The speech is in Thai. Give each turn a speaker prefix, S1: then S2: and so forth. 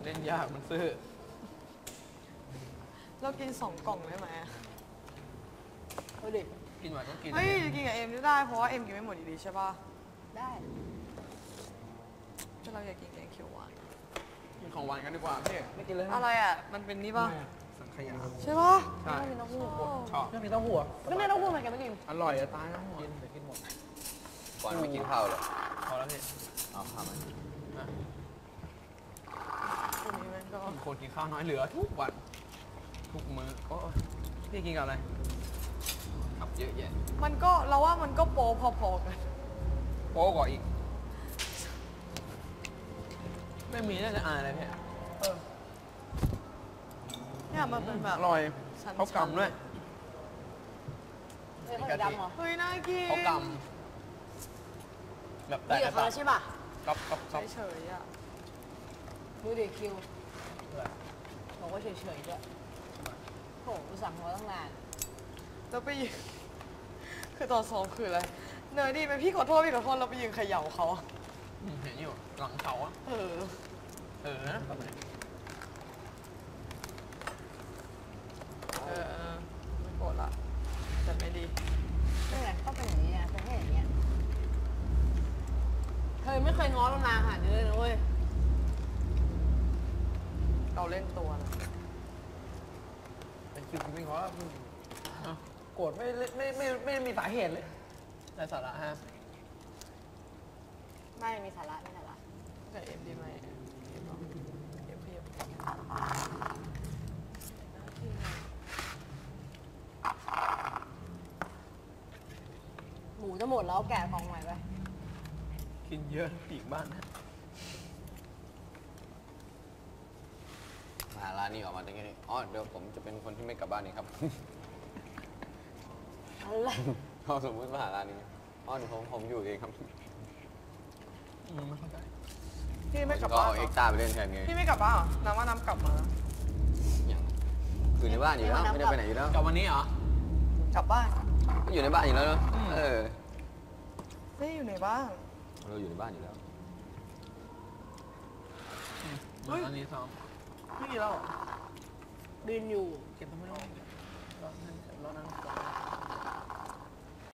S1: เล่นยากมันซื้อ
S2: เรากิน2 กล่องได้ไหม
S3: เอาดิ
S1: กินหวานต้องกิน
S2: เฮ้ยกินกับเอ็มได้เพราะว่าเอ็มกินไม่หมดอยู่ดีใช่ป่ะ
S3: ได้
S2: แต่เราอยากกินแกงเขียวหวาน
S1: กินของหวานกันดีกว่าพี่
S3: ไม่กินเลย
S2: อะไรอ่ะมันเป็นนี่ป่ะ
S1: สังขยา
S2: ใช่ป่ะ
S1: ใช่
S3: ไม่กินเต้าหู้
S1: ชอบ
S3: ไม่กินเต้าหู้ก็ไม่เต้าหู้มันแกไม่กิน
S1: อร่อยจะตายแล้วกินแต่กินหมด
S4: ก่อนไม่กินข้าวเลย
S1: พอแล้วพี่
S4: เอาข้าวมา
S2: คนนี้มันก็
S1: คนกินข้าวน้อยเหลือทุกวันทุกมื้อก็พี่กินกับอะไรครับเยอะแยะ
S2: มันก็เราว่ามันก็โป๊พอๆกัน
S1: โป๊กว่าอีกไม่มีน่าจะอายอะไรพี่
S2: เนี่ยมันเป็นแบบ
S1: อร่อยเขากำด้วย
S3: เฮ้ยเขาดำเหรอ
S2: เฮ้ยน่ากิน
S1: เขากำแบบแต่
S3: นี่กับเขาใช่ป่ะ
S1: ก๊อบก๊อบก๊อบ
S2: เฉยๆอ่ะ
S3: ดูดิคิวบอกว่าเฉยๆด้วยโหกูสั่งมาตั้งนาน
S2: แล้วไปยืนคือตอนซ้อมคืออะไรเนยดิเป็นพี่ขอโทษเราไปยืนเขย่าเขา
S1: เห็นอยู่หลังเขาอะนะ
S2: ไม่โกรธละแต่ไม่ดี
S3: นี่ไงก็เป็นอย่างนี้อ่ะเป็นแค่อย่างเงี้ยเธอไม่เคยง้อเรานานขนาดนี้เลยนะเว้ย
S2: เราเล่นตัวนะ
S1: เป็นคิวไม่ง้อโกรธไม่มีสาเหตุเลยแต่สาระฮะ
S3: ไม่มีสาระไม่สาระ
S2: แต่เอ็มดีไหมเอ็มเพียบ
S3: หมูจะหมดแล้วแกะกล่องใหม่ไป
S1: กินเยอะปีกบ้านนะ
S4: มาร้านนี้ออกมาตรงนี้อ๋อเดี๋ยวผมจะเป็นคนที่ไม่กลับบ้านเองครับ
S3: อะไร
S4: เขาสมมติมาหาร้านนี้อ๋อเดี๋ยวผมอยู่เองครับ
S1: ไม่เข้าใจ
S2: พี่ไม่กลับ
S4: ก็
S2: บ้าน
S4: เอาเอ็กซ์ต้าไปเล่นแทนไง
S2: พี่ไม่กลับบ้านน้ำว่าน้ำกลับมาแล้ว
S4: อย่างอยู่ในบ้านอยู่แล้วไม่ได้ไปไหนอยู่แล้ว
S1: กลับวันนี้เหรอก
S2: ลับบ้าน
S4: ก็อยู่ในบ้านอยู่แล้วเนอะ
S2: ไม่อยู่ในบ้าน
S4: เราอยู่ในบ้านอยู่แล้ว
S1: อันนี้ซ้อม
S2: พี่กินแล้ว
S3: บินอยู่
S1: เก็บต้องไม่รอดรอนั่น